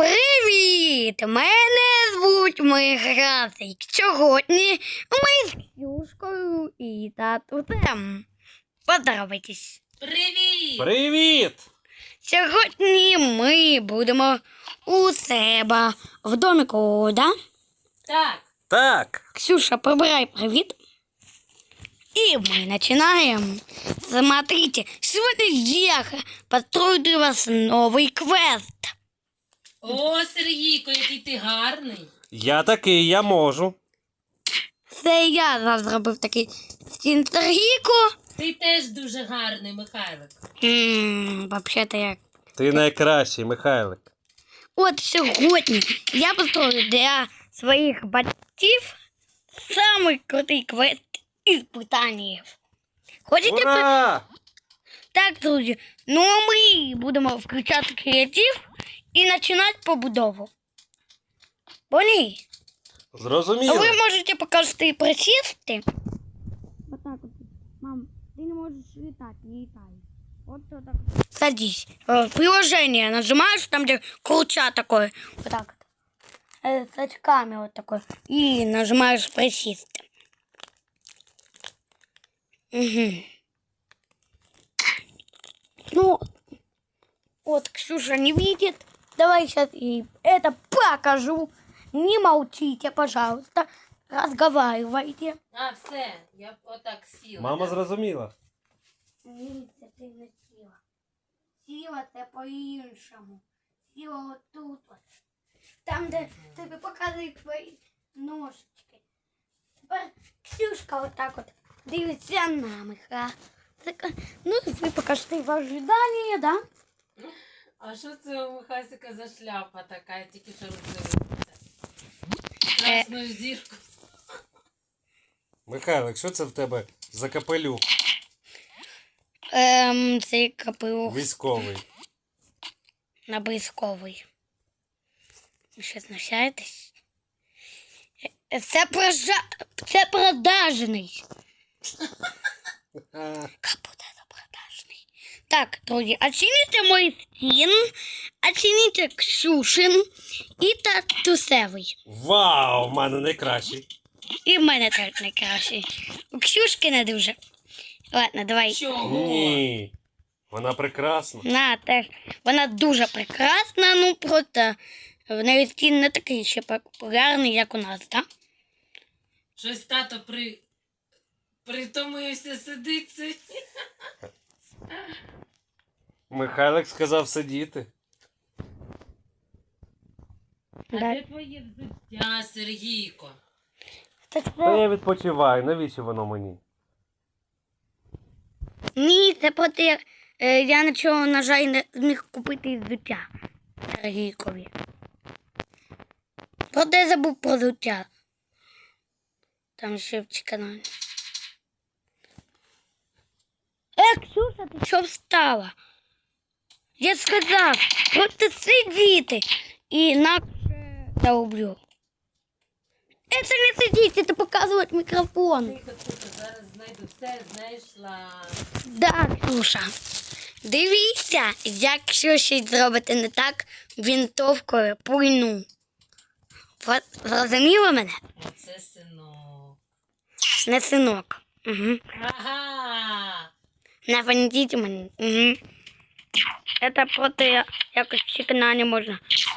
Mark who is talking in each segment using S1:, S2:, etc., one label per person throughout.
S1: Привіт! Мене звуть Михасик. Сьогодні ми з Ксюшкою і татусем. Поздоровайтесь.
S2: Привіт!
S3: Привіт!
S1: Сьогодні ми будемо у себе в домику, да?
S2: Так,
S3: Так.
S1: Ксюша, прибирай привіт. И мы начинаем. Смотрите, сегодня я построю для вас новый квест.
S2: о, Сергійко, який ти гарний.
S3: Я такий, я можу.
S1: Це я зробив такий Сергійко.
S2: Ти теж дуже гарний, Михайлик.
S1: Вообще-то я...
S3: Ти найкращий, Михайлик.
S1: От сьогодні я построю для своїх батьків самий крутий квест із питань. Хочете?
S3: Ура!
S1: Так, друзі. Ну а ми будемо включати креатив і починати побудову. Поняли?
S3: Зрозуміло.
S1: Ви можете показати присісти. Отак от. Мам, ти не можеш літати, не літай. Вот так. Садись. Приложение нажимаешь, там где круча такой. Вот так вот. С очками вот такой. И нажимаешь присісти. Угу. Ну, вот Ксюша не видит. Давай сейчас ей это покажу. Не молчите, пожалуйста. Разговаривайте.
S2: А, все, я отак сіла.
S3: Мама зрозуміла.
S1: Ні, це ти не сіла. Сіла це по-іншому. Сіла отут. От. Там, де тобі показують твої ножички. Тепер Ксюшка отак от дивиться на Миха. Ну, ви покажете в ожиданні, да?
S2: А що це у Михасика за шляпа така, я тільки що роздивилася? Красну зірку.
S3: Михайлик, що це в тебе за капелюх
S1: Цей капелюх
S3: військовий?
S1: набризковий. Ви що, знущаєтесь? Це продажний. Капута це продажний. Так, друзі, оцініть мій стін, оцініть Ксюшин і татусевий.
S3: Вау, в мене найкращий.
S1: І в мене теж найкращий. У Ксюшки не дуже. Ладно, давай.
S2: Чого?
S3: Ні. Вона прекрасна.
S1: На, теж. Вона дуже прекрасна, ну просто в неї стін не такий ще популярний, як у нас, так?
S2: Щось тато притомився сидить сьогодні.
S3: Михайлик сказав сидіти.
S2: А де твоє взуття, Сергійко?
S1: Та
S3: Та я відпочиваю, навіщо воно мені?
S1: Ні, це просто я нічого, на жаль, не зміг купити із взуття Сергійкові. Просто я забув про взуття. Там ще в каналі. Ксюша, ти що встала? Я сказав, просто сидіти. І інакше я уб'ю. Це не сидіти, це показувати мікрофон.
S2: Тихо, зараз знайду все, знайшла.
S1: Да, Ксюша. Дивіться, якщо щось зробити не так, вінтовкою пульну. Зрозуміло мене?
S2: Оце синок.
S1: Не синок. Угу.
S2: Ага!
S1: Не фанітіть мене. Угу. Це просто якось чекана не можна.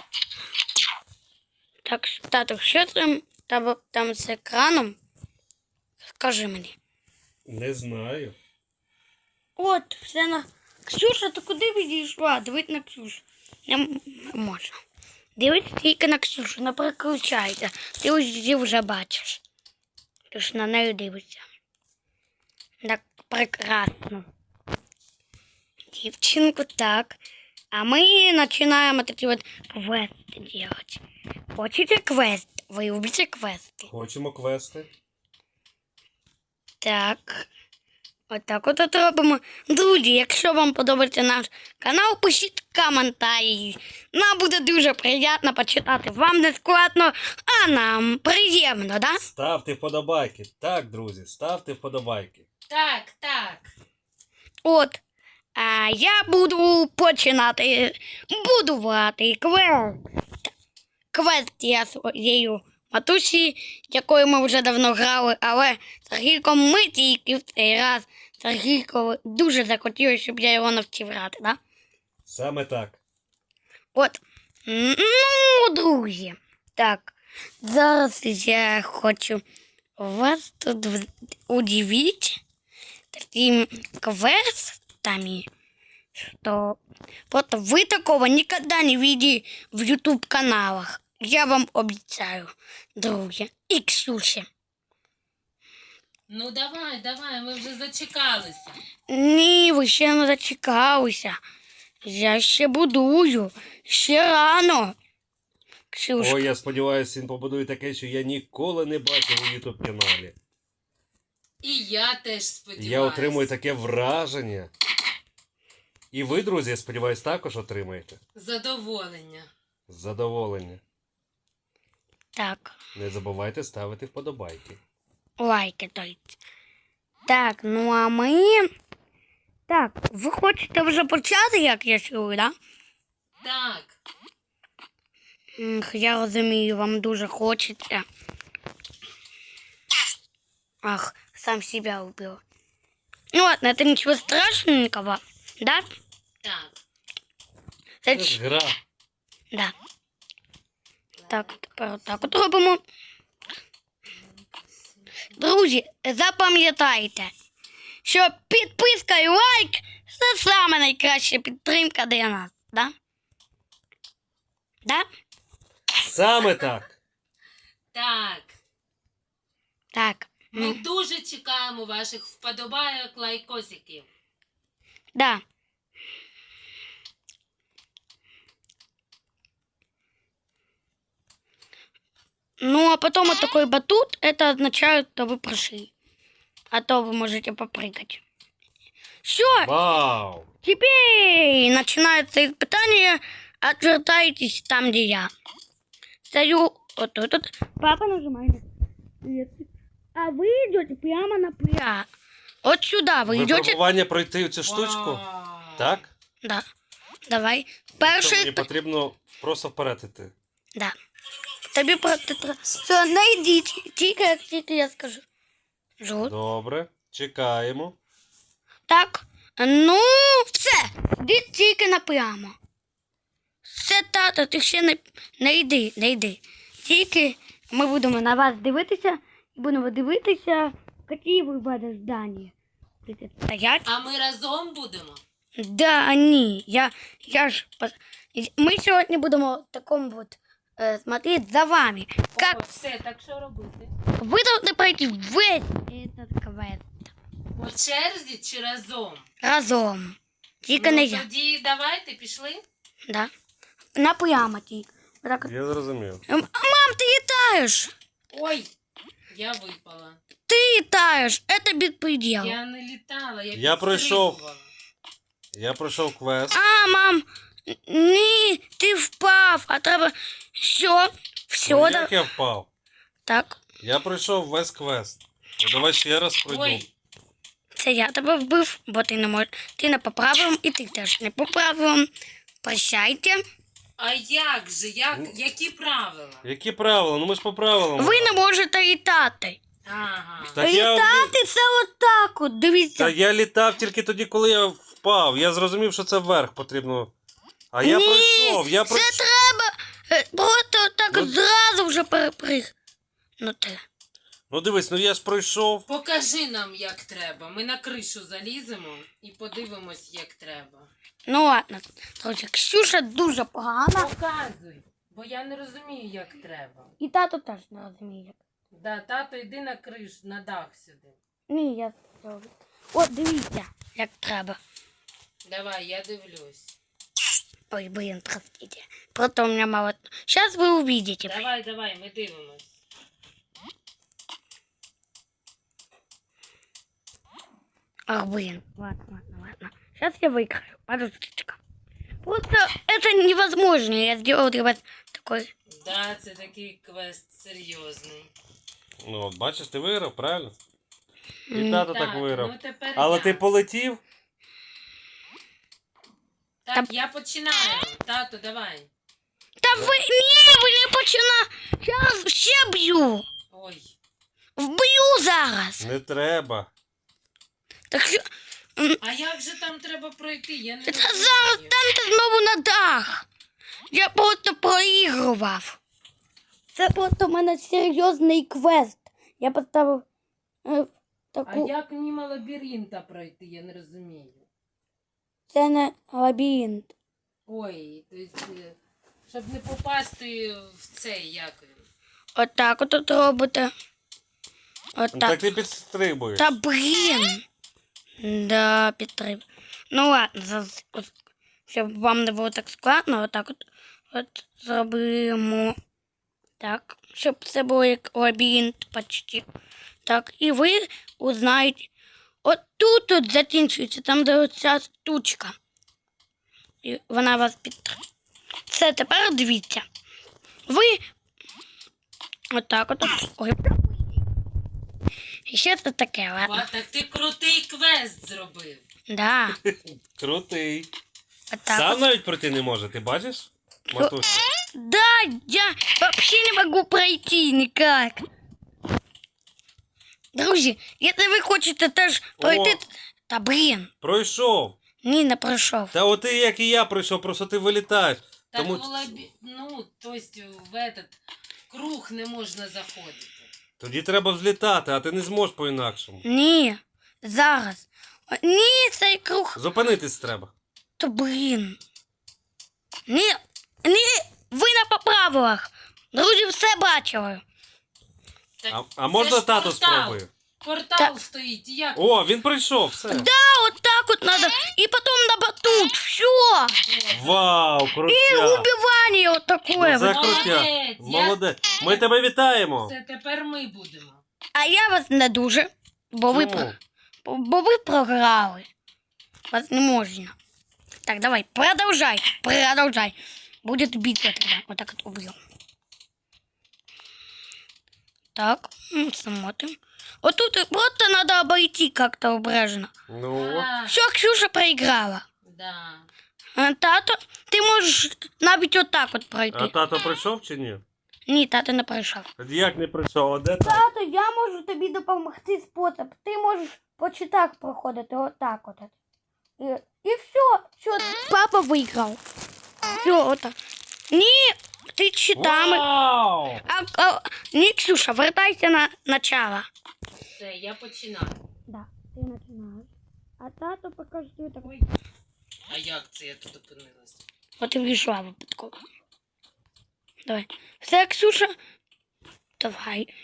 S1: Так, тату, що там з екраном? Скажи мені.
S3: Не знаю.
S1: От, все на... Ксюша, ти куди відійшла? Дивись на Ксюшу. Не можна. Дивись тільки на Ксюшу, не переключайся. Ти її вже бачиш. Ти ж на неї дивишся. Так прекрасно. Дівчинку, так. А ми починаємо такі от квести делать. Хочете квест? Ви любите квести?
S3: Хочемо квести.
S1: Так. Отак от робимо. Друзі, якщо вам подобається наш канал, пишіть коментарі. Нам буде дуже приємно почитати. Вам не складно, а нам приємно, да?
S3: Ставте вподобайки. Так, друзі, ставте вподобайки.
S2: Так, так.
S1: От. А я буду починати будувати квест. квест я своєю матусі, якою ми вже давно грали, але Сергійком ми тільки в цей раз. Сергійко дуже захотілося, щоб я його навчив грати, да?
S3: Саме так.
S1: От. Ну, друзі. Так. Зараз я хочу вас тут удивити такими квестами, что просто вы такого никогда не видели в YouTube каналах. Я вам обещаю, друзі. І Ксюші.
S2: Ну давай, ми вже зачекалися.
S1: Ні, ви ще не дочекалися. Я ще будую. Ще рано. Ксюшка.
S3: Ой, я сподіваюся, він побудує таке, що я ніколи не бачив у YouTube каналі.
S2: І я теж сподіваюся.
S3: Я отримую таке враження. І ви, друзі, я сподіваюся, також отримаєте.
S2: Задоволення.
S3: Задоволення.
S1: Так.
S3: Не забувайте ставити вподобайки.
S1: Лайки дайте. Так, ну а ми... Так, ви хочете вже почати, як я чую, да?
S2: Так.
S1: Я розумію, вам дуже хочеться. Ах, сам себя убил. Ну ладно, это ничего страшненького, да?
S2: Так.
S3: Це ж гра.
S1: Да. Так, тепер так от робимо. Друзі, запам'ятайте, що підписка і лайк – це саме найкраща підтримка для нас, да? Да?
S3: Саме так.
S2: Так.
S1: Так.
S2: Ми дуже чекаємо ваших вподобайок, лайкосиків.
S1: Да. Ну, а потом вот такой батут, это означает, что вы прошли. А то вы можете попрыгать. Все,
S3: Вау!
S1: теперь начинается испытание. Отвертайтесь там, где я. Стою вот тут. Вот. Папа нажимает. А вы идете прямо на пля. Вот сюда вы идете.
S3: Випробування пройти цю штучку.
S2: Вау.
S3: Так?
S1: Да. Давай.
S3: То
S1: Перший.
S3: мені потрібно просто вперед іти.
S1: Да. Тобі просто... Все, найдіть. Тільки я скажу. Жут.
S3: Добре. Чекаємо.
S1: Так. Ну, все. Йди тільки напрямо. Все, тато, ти ще не йди. Тільки ми будемо на вас дивитися. І будемо дивитися, які ви будете здання. Будете стоять.
S2: А ми разом будемо?
S1: Да, ні. Я ж... Ми сьогодні будемо в такому вот смотреть за вами. Как
S2: О, все, так що робити?
S1: вы должны пройти весь этот квест.
S2: По черзі чи разом?
S1: Разом. Тільки не я.
S2: Тоді давайте, пішли.
S1: Да. Напрямо тільки. Отак от.
S3: Я зрозумів.
S1: Мам, ти літаєш.
S2: Ой, я випала.
S1: Ти літаєш. Це безпреділ.
S2: Я не літала,
S3: Я пройшов.
S2: підстрибувала.
S3: Я пройшов квест.
S1: А, мам, ні, ти впав. А треба... Все,
S3: Ну,
S1: да.
S3: як я впав?
S1: Так,
S3: Я пройшов весь квест. Ну, давай ще раз пройду.
S2: Ой,
S1: це я тебе вбив, бо ти не можеш. Ти не по правилам, і ти теж не по правилам. Прощайте.
S2: а як же? Які правила?
S3: Які правила? Ну ми ж по правилам.
S1: Ви не можете літати.
S2: Ага.
S3: Так я...
S1: Літати це отак от, дивіться.
S3: Та я літав тільки тоді, коли я впав. Я зрозумів, що це вверх потрібно. А я
S1: Ні,
S3: пройшов, я
S1: це
S3: пройшов.
S1: треба просто так
S3: Ну-
S1: зразу вже переприг. Ну ти.
S3: Ну дивись, ну я ж пройшов.
S2: Покажи нам, як треба. Ми на кришу заліземо і подивимось, як треба.
S1: Ну ладно. Друзі, Ксюша дуже погана.
S2: Показуй, бо я не розумію, як треба.
S1: І тато теж не розуміє.
S2: Да, тато, йди на кришу, на дах сюди.
S1: Ні, я зроблю. От дивіться, як треба.
S2: Давай, я дивлюсь.
S1: Ой, блин, простите. Просто у меня мало... Сейчас вы увидите.
S2: Давай, ми дивимось.
S1: Ах, блин. Ладно. Сейчас я выиграю. Подождите-ка. Просто это невозможно. Я сделал для вас такой...
S2: Да, це такий квест серйозний.
S3: Ну от бачиш, ти виграв, правильно? І тато так виграв.
S2: ну тепер
S3: Але
S2: я.
S3: ти полетів?
S2: Так, я починаю. Тато, давай.
S1: Та ви не почина. Зараз ще б'ю.
S2: Ой.
S1: Вб'ю зараз.
S3: Не треба.
S1: Так що
S2: А як же там треба пройти? Я не
S1: та
S2: розумію.
S1: зараз станьте знову на дах. Я просто проігрував. Це просто в мене серйозний квест. Я поставив
S2: А
S1: таку.
S2: як мимо лабіринта пройти? Я не розумію.
S1: Це не лабіринт.
S2: Ой, то есть, щоб не попасти в цей, як він.
S1: Отак от робите.
S3: Так
S1: Отак.
S3: ти підстрибуєш.
S1: Та блін. Да, підтрив. Ну ладно, щоб вам не було так складно, отак от зробимо. Так, щоб це було як лабіринт почти. Так, і ви узнаєте. От тут от закінчується, там де оця штучка. І вона вас підтримує. Все, тепер дивіться. Ви отак от. Ой. І ще це таке, ладно.
S2: А, так ти крутий квест зробив.
S1: Да.
S3: Крутий.
S1: Отак.
S3: Сам
S1: от.
S3: навіть пройти не може, ти бачиш? Матуся.
S1: Да, я вообще не могу пройти никак. Друзі, якщо ви хочете теж пройти. Та блін,
S3: Пройшов.
S1: ні, не пройшов.
S3: Та от ти, як і я пройшов, просто ти вилітаєш.
S2: Так
S3: Тому
S2: в ну, то есть в этот круг не можна заходити.
S3: тоді треба взлітати, а ти не зможеш по-інакшому.
S1: Ні, зараз. Ні, цей круг.
S3: Зупинитись треба.
S1: То блін. Ні, ви на поправилах. Друзі, все бачили.
S2: Так,
S3: А можна
S2: ж
S3: тато
S2: портал.
S3: спробує?
S2: Портал
S1: Так.
S2: стоїть, і як?
S3: О, він прийшов, все.
S1: Да, от так от надо. І потім на батут. Все.
S3: Вау,
S1: І
S3: крутяк.
S1: убивання от такое.
S3: Ну, це
S1: вот.
S3: крутяк.
S2: Молодець,
S3: Молодець. Ми тебе вітаємо.
S2: Це тепер ми будемо.
S1: А я вас не дуже, бо ви,
S3: Чому?
S1: бо ви програли. Вас не можна. Так, давай, продолжай. Будет битва тогда. Вот так вот убьем. Так, смотрим. Вот тут просто надо обойти как-то обрежно.
S3: Ну,
S2: А,
S1: Все, Ксюша проиграла.
S2: да.
S1: Тато, ти можеш навіть отак от пройти.
S3: а тато прийшов чи ні?
S1: Ні, тато не пройшов.
S3: Тоді як не прийшов, а де тато?
S1: Тато, я можу тобі допомогти спосіб. Ти можеш по читах проходити отак от. І все, папа виграв. Все, отак. Ні, ти читами.
S3: Вау!
S1: Ні, Ксюша, вертайся на начало.
S2: Все, я починаю.
S1: Да, ти починаєш. А тато покажи так.
S2: Ой. А як це я тут опинилась?
S1: От і вийшла випадково. Давай. Все, Ксюша. Давай.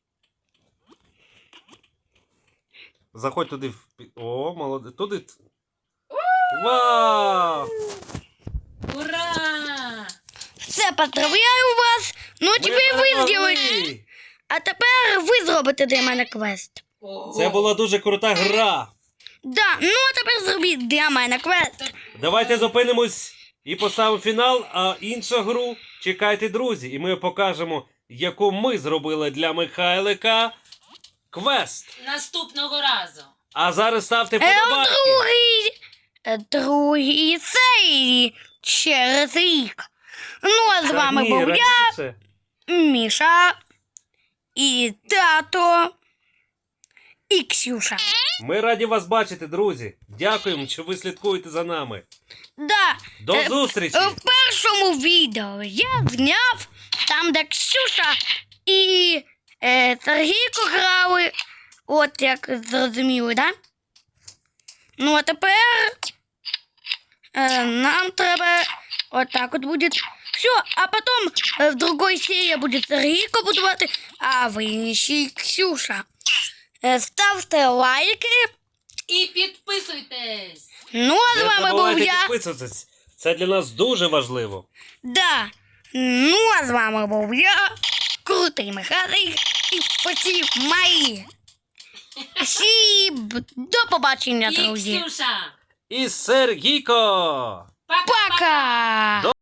S3: Заходь туди. О, молодець. Туди. Вау!
S1: Ура! Все, поздравляю вас. Ну,
S3: Ми
S1: тепер ви
S3: перемогли!
S1: зробите. А тепер ви зробите для мене квест.
S2: Ого.
S3: Це була дуже крута гра.
S1: Да, ну а тепер зробіть для мене квест.
S3: Давайте зупинимось і поставимо фінал, а іншу гру чекайте, друзі, і ми покажемо, яку ми зробили для Михайлика квест.
S2: Наступного разу.
S3: А зараз ставте
S1: В
S3: вподобайки.
S1: другій серії через рік. Ну, а з
S3: Та
S1: вами
S3: ні,
S1: був я,
S3: раніше.
S1: Міша, і тато, і Ксюша.
S3: Ми раді вас бачити, друзі. Дякуємо, що ви слідкуєте за нами.
S1: Да,
S3: До зустрічі!
S1: в першому відео я зняв там, де Ксюша і Сергійко грали. От як зрозуміли, да? Ну, а тепер нам треба отак от буде. Все, а потом в другой серии будет Сергійко будувати, а в іншій Ксюша. Ставте лайки.
S2: І підписуйтесь.
S1: Ну, а з
S3: Не
S1: вами був
S3: забувайте
S1: я.
S3: підписуватись. Це для нас дуже важливо.
S1: Да. Ну, а з вами був я, крутий Михайлик, і всі мої. Всім до побачення,
S2: І
S1: друзі.
S2: Ксюша.
S3: І Сергійко!
S2: Пока-пока.
S1: Пока!